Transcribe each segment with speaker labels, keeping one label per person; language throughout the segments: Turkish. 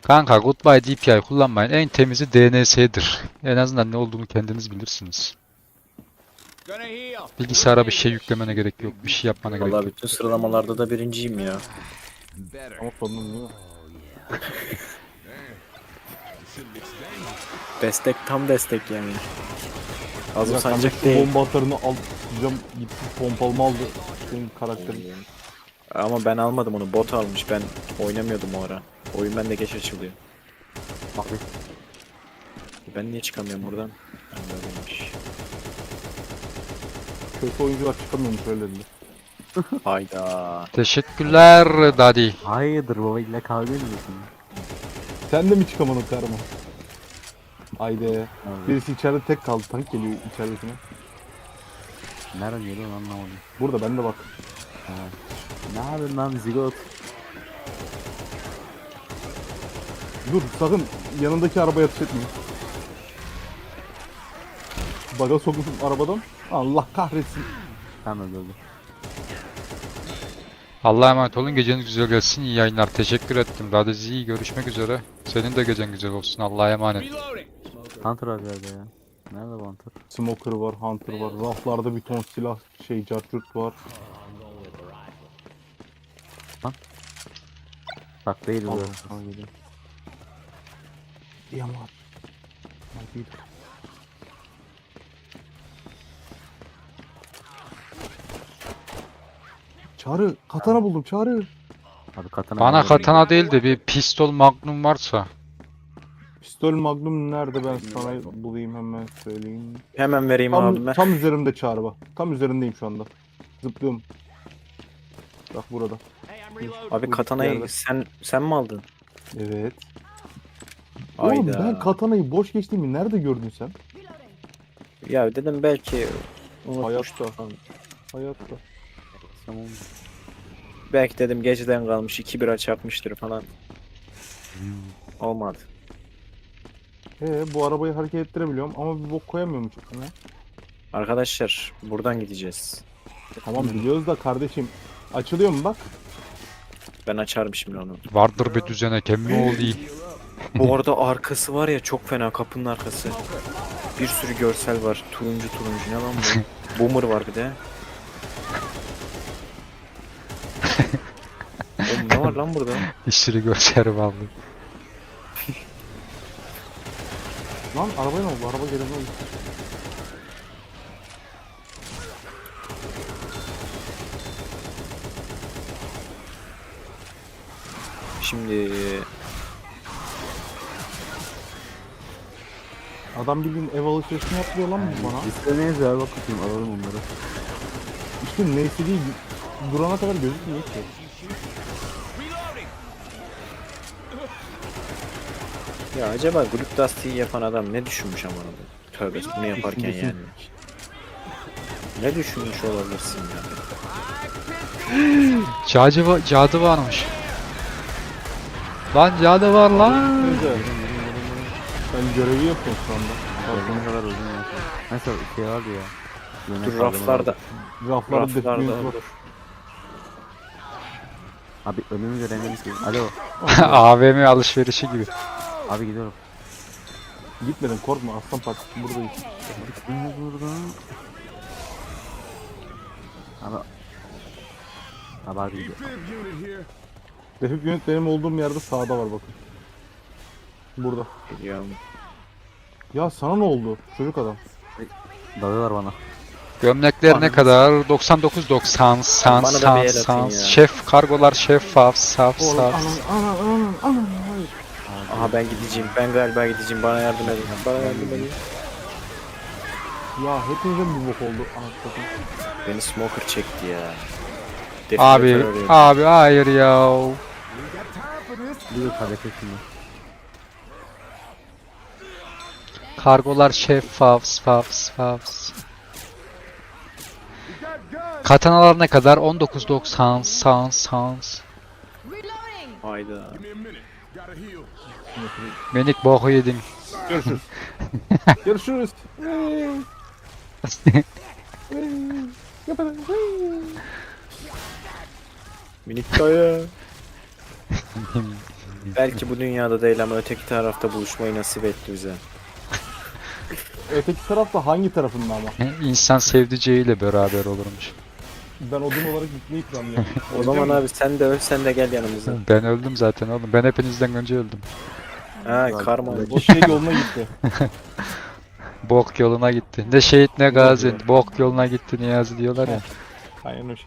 Speaker 1: Kanka Goodbye DPI kullanmayın. En temizi DNS'dir. En azından ne olduğunu kendiniz bilirsiniz. Bilgisayara bir şey yüklemene gerek yok. Bir şey yapmana gerek
Speaker 2: Vallahi
Speaker 1: yok.
Speaker 2: bütün sıralamalarda da birinciyim ya.
Speaker 3: Ama sorunun değil mi?
Speaker 2: Destek tam destek yani. Azım
Speaker 3: Ya
Speaker 2: sancak
Speaker 3: kardeşim
Speaker 2: değil.
Speaker 3: bomba atarını al. Hocam gitti pompalımı aldı. Senin karakterin.
Speaker 2: Ama ben almadım onu, bot almış. Ben oynamıyordum o ara. Oyun bende geç açılıyor.
Speaker 4: Bak
Speaker 2: Ben niye çıkamıyorum buradan? Ha, böyleymiş.
Speaker 3: Kötü oyuncular çıkamıyormuş öyle dedi.
Speaker 2: Hayda.
Speaker 1: Teşekkürler Daddy.
Speaker 4: hayırdır baba illa kavga ediyorsun.
Speaker 3: Sen de mi çıkamadın karma? Haydi.
Speaker 4: Abi,
Speaker 3: Birisi içeride tek kaldı. Tank geliyor içeridekine.
Speaker 4: nereden geliyor lan anlamadım.
Speaker 3: Burada bende bak.
Speaker 4: Ne yapıyorsun lan zigot?
Speaker 3: Dur sakın yanındaki arabaya atış etmeyin. Baga sokmuşum arabadan. Allah kahretsin.
Speaker 4: Hemen öldü.
Speaker 1: Allah'a emanet olun. Geceniz güzel geçsin. İyi yayınlar. Teşekkür ettim. Daddy, görüşmek üzere. Senin de gecen güzel olsun. Allah'a emanet.
Speaker 4: Hunter abi nerede ya? Nerede bu Hunter?
Speaker 3: Smoker var, Hunter var. Raflarda bir ton silah cartürt var.
Speaker 4: Bak değil bu.
Speaker 3: Allah.
Speaker 4: Tamam geliyor.
Speaker 3: Yaman. Hadi. Çağrı, katana buldum Çağrı.
Speaker 4: Abi katana
Speaker 1: Bana
Speaker 4: geliyor.
Speaker 1: katana değil de bir pistol magnum varsa.
Speaker 3: Pistol Magnum nerede, ben sana bulayım hemen söyleyeyim.
Speaker 2: Hemen vereyim abime.
Speaker 3: Tam üzerimde Çağrı bak. Tam üzerindeyim şu anda. Zıplıyorum. Bak burada.
Speaker 2: Abi
Speaker 3: Bu
Speaker 2: katanayı
Speaker 3: yerde.
Speaker 2: sen mi aldın?
Speaker 3: Evet. Oğlum
Speaker 2: Hayda.
Speaker 3: ben katanayı boş geçtiğimi nerede gördün sen?
Speaker 2: Ya dedim belki unutmuştu.
Speaker 3: Hayatta.
Speaker 4: Tamam.
Speaker 2: Belki dedim geceden kalmış 2 bira çarpmıştır falan. Olmadı.
Speaker 3: Bu arabayı hareket ettirebiliyorum ama bir bok koyamıyorum içine.
Speaker 2: Arkadaşlar buradan gideceğiz.
Speaker 3: Tamam biliyoruz da kardeşim. Açılıyor mu bak?
Speaker 2: Ben açarım şimdi onu.
Speaker 1: Vardır bir düzenek emmi oğlu değil.
Speaker 2: Bu arada arkası var ya çok fena, kapının arkası. Bir sürü görsel var. Turuncu ne lan bu? Boomer var bir de. Oğlum ne var lan burada?
Speaker 1: İşçili gösteri vallahi.
Speaker 3: Lan arabaya ne oldu? Araba gelene oldu.
Speaker 2: Şimdi
Speaker 3: Adam bildiğin ev alışverişini yapıyor lan bu bana.
Speaker 4: İstemeyiz ya bak bakayım alalım onları.
Speaker 3: İşte neyse değil. Durana kadar gözükmüyor ki.
Speaker 2: ya acaba Group Dusty'yi yapan adam ne düşünmüş ama tövbe bunu yaparken
Speaker 3: Düşünmesin.
Speaker 2: yani. Ne düşünmüş olabilirsin ya?
Speaker 1: Cadı varmış. Lan cadı var lan.
Speaker 3: Neyse. Ben görevi yapıyorum şu anda.
Speaker 4: Gördüğün kadar uzun ya. Neyse şey vardı ya. Yemek
Speaker 2: Dur
Speaker 4: kaldırma
Speaker 2: raflarda.
Speaker 4: vardı.
Speaker 3: Raflarda
Speaker 2: Raflarda
Speaker 3: definitif var.
Speaker 2: dur.
Speaker 4: Abi önümü göremiyorum ki. Alo.
Speaker 1: AVM alışverişi gibi.
Speaker 4: Abi gidiyorum.
Speaker 3: Gitmedin korkma, aslan partisi buradayız.
Speaker 4: Ne burada? Abi. Abi gidiyor.
Speaker 3: Defik yönet benim olduğum yerde sağda var bakın. Burada.
Speaker 2: Biliyorum.
Speaker 3: Ya sana ne oldu çocuk adam?
Speaker 4: Dalıyorlar bana.
Speaker 1: Gömlekler ne kadar? 99.90
Speaker 2: Bana da bir el atın ya.
Speaker 1: Şef kargolar şeffaf saf
Speaker 3: Oğlum
Speaker 1: saf.
Speaker 3: anan hayır.
Speaker 2: Aha ben gideceğim. Ben galiba gideceğim. Bana yardım edin. Bana yardım edin.
Speaker 3: Ya hepinize bir bok oldu. Anasını.
Speaker 2: Beni smoker çekti ya.
Speaker 1: Abi
Speaker 2: Definitif arıyor.
Speaker 1: abi hayır ya.
Speaker 4: Bir de kadete şimdi.
Speaker 1: Kargolar şeffaf saf. Katanalar ne kadar? 19.90 sans.
Speaker 2: Hayda.
Speaker 1: Menik boku yedin.
Speaker 3: Görüşürüz. Görüşürüz.
Speaker 2: Minik dayı. Belki bu dünyada değil ama öteki tarafta buluşmayı nasip etti bize.
Speaker 3: Öteki tarafta hangi tarafında ama?
Speaker 1: İnsan sevdiceğiyle beraber olurmuş.
Speaker 3: Ben odun olarak gitmeyi planlıyorum.
Speaker 2: O zaman abi sen de öl, sen de gel yanımıza.
Speaker 1: Ben öldüm zaten oğlum. Ben hepinizden önce öldüm.
Speaker 2: Ha karma.
Speaker 3: O şey yoluna gitti.
Speaker 1: Bok yoluna gitti. Ne şehit ne gazi. Bok yoluna gitti Niyazi diyorlar ya.
Speaker 3: Aynen o şey.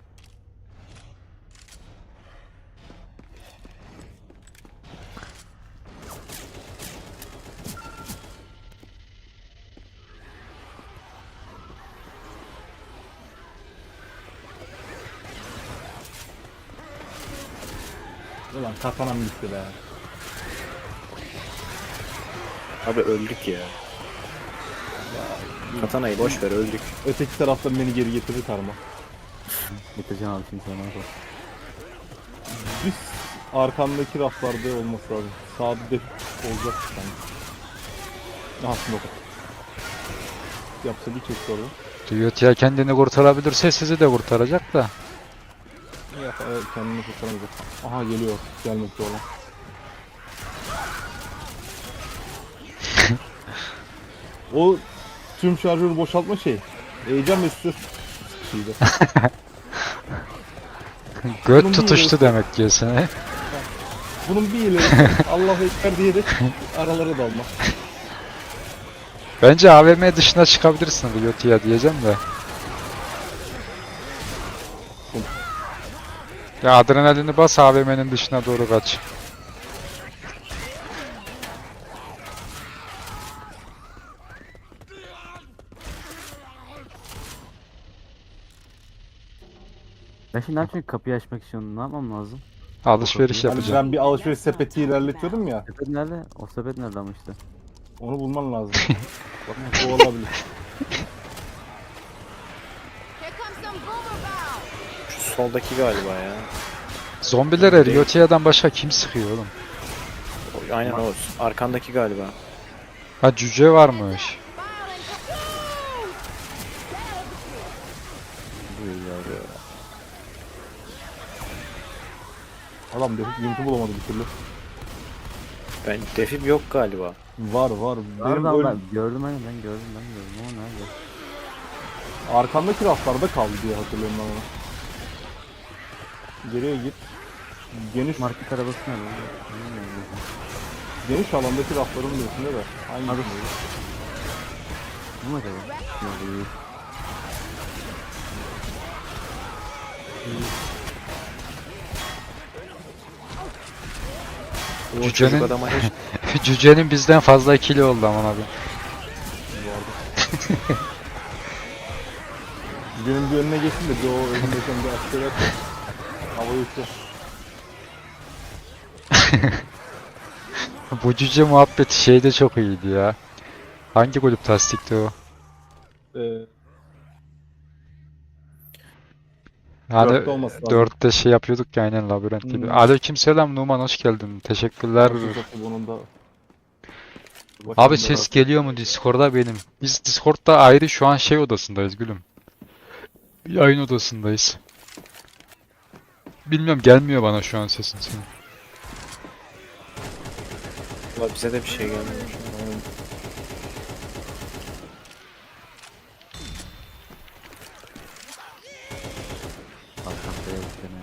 Speaker 3: Ulan kafanam gitti be.
Speaker 2: Abi öldük ya. Katanayı boş ver öldük.
Speaker 3: Öteki taraftan beni geri getirir karma.
Speaker 4: Bitireceğim abi şimdi sana.
Speaker 3: Biz arkamdaki raflarda olması lazım. Sağda def olacak sanki. Aha smoke. Yapsa bir çekti orada.
Speaker 1: Diyot ya kendini kurtarabilirse sizi de kurtaracak da.
Speaker 3: Ya evet, kendini kurtaramayacak. Aha geliyor. Gelmekte olan. O tüm şarjörü boşaltma şey. Heyecan ve stres şeydi.
Speaker 1: Göt tutuştu demek ki seni.
Speaker 3: Bunun bir ileri Allahu Ekber diyerek aralara dalma.
Speaker 1: Bence AVM dışına çıkabilirsin Diyot ya diyeceğim de. Ya adrenalini bas AVM'nin dışına doğru kaç.
Speaker 4: Ben şimdi ne yapayım kapıyı açmak için ne yapmam lazım?
Speaker 1: Alışveriş
Speaker 3: Hani
Speaker 1: yapacağım.
Speaker 3: ben bir alışveriş sepeti ilerletiyordum ya.
Speaker 4: Sepet nerede? O sepet nerede ama işte?
Speaker 3: Onu bulman lazım. O olabilir.
Speaker 5: Here comes some boomer bow.
Speaker 2: Şu soldaki galiba ya.
Speaker 1: Zombilere Riotia'dan başka kim sıkıyor oğlum?
Speaker 2: Aynen o. Arkandaki galiba.
Speaker 1: Ha cüce varmış.
Speaker 3: Adam defip yumtu bulamadı bir türlü.
Speaker 2: Ben defib yok galiba.
Speaker 3: Var var. Benim
Speaker 4: Nerede
Speaker 3: öyle
Speaker 4: ben gördüm hani ben gördüm ama nerede?
Speaker 3: arkamdaki raflarda kaldı diye hatırlıyorum ben onu. Geriye git. Geniş
Speaker 4: Market arabası nerede? Bilmiyorum.
Speaker 3: geniş alandaki rafların üstünde de. Hangi
Speaker 4: Abi.
Speaker 3: birinde?
Speaker 4: Bu mu acaba? Yok değil.
Speaker 2: O
Speaker 1: Cücenin-
Speaker 2: çocuk adama hiç
Speaker 1: Cücenin bizden fazla kili oldu aman abi.
Speaker 3: Benim bir önüne geçsin de bir o önündeyken bir asker yap. Havaya uçuyor.
Speaker 1: Bu cüce muhabbeti şeyde çok iyiydi ya. Hangi kulüp tasdikti o? Hani
Speaker 3: Dörtte olması lazım.
Speaker 1: 4'te şey yapıyorduk ya aynen labirent gibi.
Speaker 3: Hmm.
Speaker 1: Aleykümselam Numan hoş geldin. Teşekkürler.
Speaker 3: Bunun da
Speaker 1: Abi ses geliyor mu Discord'da benim? Biz Discord'da ayrı şu an şey odasındayız gülüm. Yayın odasındayız. Bilmiyorum gelmiyor bana şu an sesin senin.
Speaker 2: Ulan bize de bir şey gelmiyor.
Speaker 4: Arkamda yok gene.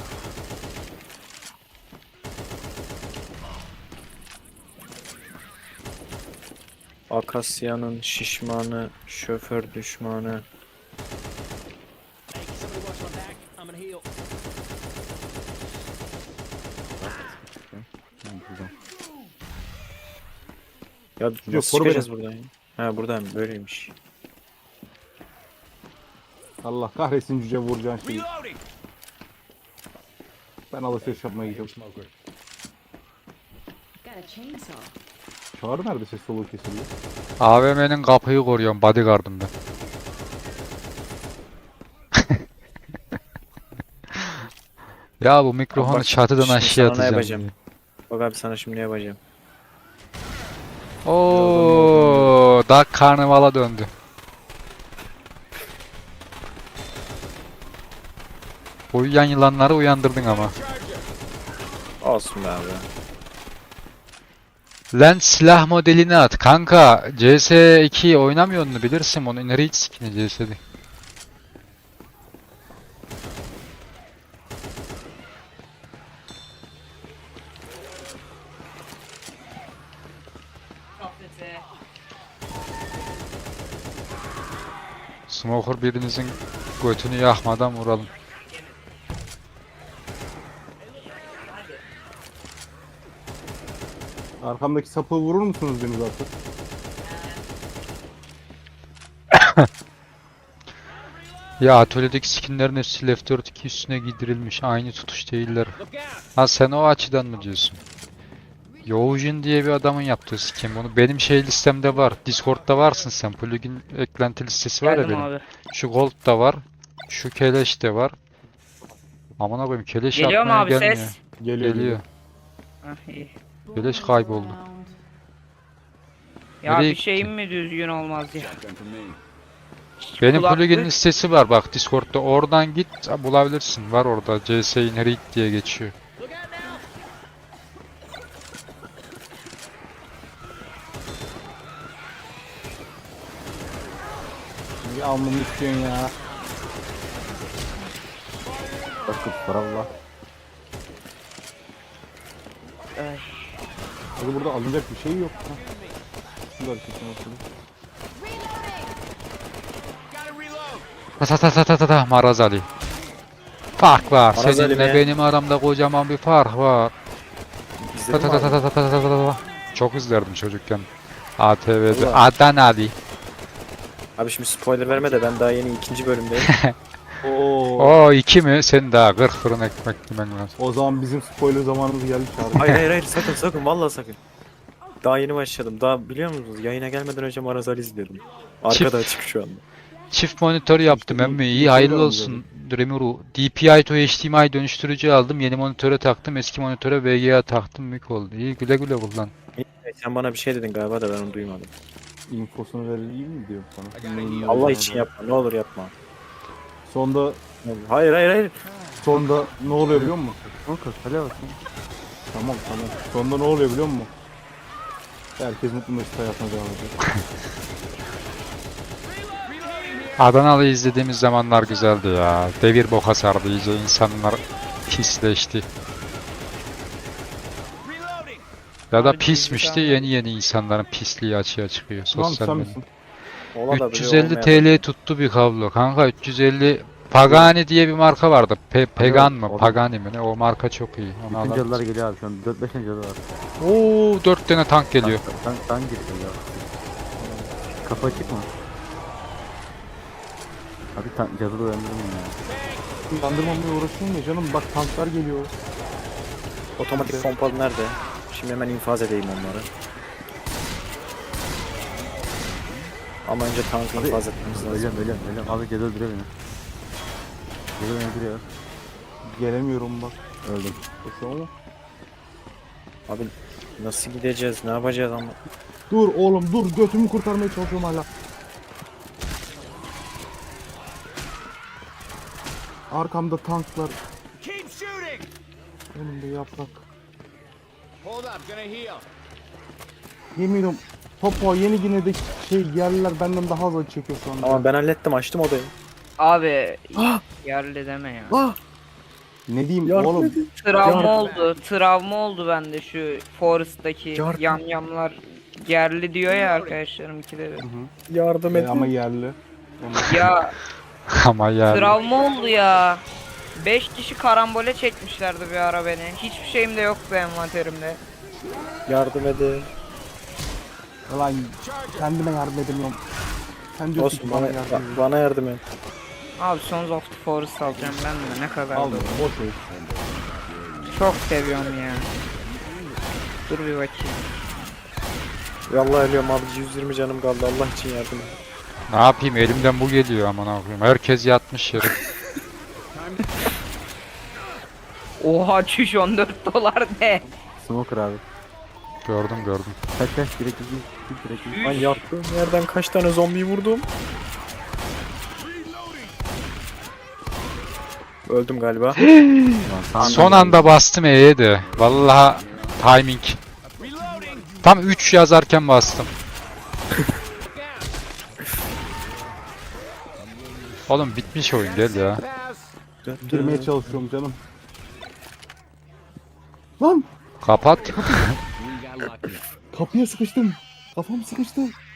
Speaker 2: Akasya'nın şişmanı, şoför düşmanı.
Speaker 4: Güzel.
Speaker 2: Ya nasıl
Speaker 3: koru
Speaker 2: çıkacağız buradan ya? Ha buradan böyleymiş.
Speaker 3: Allah kahretsin cüce vuracağın şeyi. Ben alışveriş yapmaya gidiyorum.
Speaker 5: Got a chainsaw.
Speaker 3: Çağrı nerede ses soluğu kesildi?
Speaker 1: AVM'nin kapıyı koruyorum bodyguard'ım ben. Ya bu mikrofonu
Speaker 2: Bak,
Speaker 1: çatıdan
Speaker 2: şimdi
Speaker 1: aşağı
Speaker 2: sana ne
Speaker 1: atacağım.
Speaker 2: yapacağım? Bak abi sana şimdi ne yapacağım?
Speaker 1: Oo, Dark Karnaval'a döndü. Uyuyan yılanları uyandırdın ama.
Speaker 2: Olsun be abi.
Speaker 1: Lan silah modelini at. Kanka CS2 oynamıyor mu bilirsin onu. Nereye hiç skin'i CS'de. Smoker birinizin götünü yakmadan vuralım.
Speaker 3: Arkamdaki sapı vurur musunuz Deniz artık?
Speaker 1: Ya atölyedeki skinlerin hepsi Left 4 2 üstüne giydirilmiş. Aynı tutuş değiller. Ha sen o açıdan mı diyorsun? Youjin diye bir adamın yaptığı skin. Bunu benim şey listemde var. Discord'da varsın sen. Plugin eklenti listesi var ya
Speaker 6: Geldim
Speaker 1: benim.
Speaker 6: abi.
Speaker 1: Şu Gold'da var. Şu Keleş de var. Aman abim Keleş
Speaker 6: Geliyor mu
Speaker 1: atmaya
Speaker 6: abi
Speaker 1: gelmiyor.
Speaker 6: ses?
Speaker 1: Geliyor.
Speaker 6: Hah, iyi.
Speaker 1: Keleş kayboldu.
Speaker 6: Ya
Speaker 1: Nereye
Speaker 6: bir şeyim mi düzgün olmaz ya?
Speaker 1: Benim
Speaker 6: Kulaklık-
Speaker 1: plugin listesi var bak Discord'da. Oradan git bulabilirsin. Var orada. CS Inherit diye geçiyor.
Speaker 3: Bir almamı istiyorsun ya.
Speaker 4: Bakıp Allah.
Speaker 6: Ay.
Speaker 3: Hadi burada alınacak bir şey yok. Ha. Şunu da hareketine bakalım.
Speaker 1: Ta ta ta ta ta ta Maraz Ali. Fark var.
Speaker 2: Maraz Ali
Speaker 1: Seninle
Speaker 2: mi?
Speaker 1: benim aramda kocaman bir fark var. Ta
Speaker 2: İzledin
Speaker 1: ta
Speaker 2: mi
Speaker 1: ta ta
Speaker 2: abi?
Speaker 1: ta ta ta ta ta. Çok izlerdim çocukken. ATV'de.
Speaker 2: Allah.
Speaker 1: Adana Ali.
Speaker 2: Abi şimdi spoiler verme de ben daha yeni 2. bölümdeyim.
Speaker 3: Oo.
Speaker 1: O 2 mi? Sen daha 40 fırın ekmek yemen lazım.
Speaker 3: O zaman bizim spoiler zamanımız geldi Çağrı.
Speaker 2: Hayır hayır hayır sakın vallahi sakın. Daha yeni başladım. Daha biliyor musunuz? Yayına gelmeden önce Maraz Ali izliyordum. Arkada açık şu anda.
Speaker 1: Çift monitör yaptım
Speaker 3: İşte
Speaker 1: emmi.
Speaker 3: bir-
Speaker 1: İyi
Speaker 3: bir
Speaker 1: hayırlı
Speaker 3: şey
Speaker 1: olsun. Dreamuru. DPI to HDMI dönüştürücü aldım. Yeni monitöre taktım. Eski monitöre VGA taktım. Mük oldu. İyi güle güle kullan.
Speaker 2: Sen bana bir şey dedin galiba da ben onu duymadım.
Speaker 3: İnfosunu verelim mi diyorum sana. Neyin
Speaker 2: Allah
Speaker 3: olduğunu
Speaker 2: için
Speaker 3: da.
Speaker 2: yapma. Ne olur yapma.
Speaker 3: Sonda
Speaker 2: Hayır hayır hayır.
Speaker 3: sonda ne oluyor biliyor musun?
Speaker 4: Smoker kale bakayım.
Speaker 3: Tamam. Sonda ne oluyor biliyor musun? Herkes mutlu mesut hayatına devam ediyor.
Speaker 1: Adanalı izlediğimiz zamanlar güzeldi ya. Devir boka sardı iyice. İnsanlar pisleşti. Ya da
Speaker 6: Abi,
Speaker 1: pismişti.
Speaker 6: dijital-
Speaker 1: Yeni insanların pisliği açığa çıkıyor.
Speaker 3: Lan
Speaker 1: Sosyal
Speaker 3: sen
Speaker 1: medya.
Speaker 3: misin?
Speaker 2: Ola da
Speaker 1: 350 TL tuttu bir kablo. Kanka 350 Pagani diye bir marka vardı. Pegan mı?
Speaker 4: Abi.
Speaker 1: Pagani mi? Ne? O marka çok iyi. Onu
Speaker 4: Bütün
Speaker 1: alalım.
Speaker 4: cadılar geliyor abi şu an. 4-5 cadı var.
Speaker 1: Oo 4 tane tank geliyor.
Speaker 4: Tank geliyor ya. Kapı açık mı? Abi cadı da uyandırmayın ya.
Speaker 3: Yandırmamaya uğraşıyorum ya canım, bak tanklar geliyor.
Speaker 2: Otomatik pompalı nerede? Şimdi hemen infaz edeyim onları. Ama önce tankı
Speaker 4: Abi,
Speaker 2: infaz etmemiz lazım.
Speaker 4: Öleceğim. Abi cadı öldürüyor beni. Cadı beni öldürüyor.
Speaker 3: Gelemiyorum bak.
Speaker 4: Öldüm.
Speaker 3: Koşuyor ama.
Speaker 2: Abi nasıl gideceğiz? Ne yapacağız ama?
Speaker 3: Dur oğlum dur, götümü kurtarmaya çalışıyorum hala. Arkamda tanklar. Önümde yaprak. Yemin ediyorum Papua Yeni Gine'deki yerliler benden daha hızlı çekiyor şu anda.
Speaker 2: Ama ben hallettim, açtım odayı.
Speaker 6: Abi yerli deme ya.
Speaker 3: Ne diyeyim
Speaker 2: Yardım
Speaker 3: oğlum?
Speaker 2: edin.
Speaker 6: Travma oldu bende şu Forest'taki
Speaker 2: Yardım.
Speaker 6: yamyamlar yerli diyor ya arkadaşlarım ikide bir.
Speaker 2: Yardım edin.
Speaker 3: Ama yerli.
Speaker 6: Ya
Speaker 1: Ama yani.
Speaker 6: travma oldu ya. 5 kişi karambole çekmişlerdi bir ara beni. Hiçbir şeyim de yoktu envanterimde.
Speaker 2: Yardım edin.
Speaker 3: Ulan kendime yardım edemiyorum. Sen diyorsun ki
Speaker 2: Olsun
Speaker 3: bana
Speaker 2: bana,
Speaker 3: yardım edin.
Speaker 2: bana yardım et.
Speaker 6: Abi Sons of the Forest alacağım ben de, ne kadar
Speaker 3: Al
Speaker 6: da-
Speaker 3: boş ver.
Speaker 6: Çok seviyorum ya. Dur bir bakayım.
Speaker 2: Vallahi ölüyorum abi, 120 canım kaldı, Allah için yardım et.
Speaker 1: Ne yapayım elimden bu geliyor aman koyayım. Herkes yatmış yere.
Speaker 6: Oha çüş 14 dolar ne?
Speaker 4: Smoker abi.
Speaker 1: Gördüm.
Speaker 4: Kaç direkt direkt.
Speaker 2: Lan yattığım yerden kaç tane zombi vurdum. Öldüm galiba.
Speaker 4: Ulan tam
Speaker 1: Son anda bastım E'ye de. Vallahi timing. Tam 3 yazarken bastım. Oğlum bitmiş oyun gel ya.
Speaker 3: Girmeye çalışıyorum canım. Lan
Speaker 1: Kapat.
Speaker 3: kapıya sıkıştım. Kafam sıkıştı.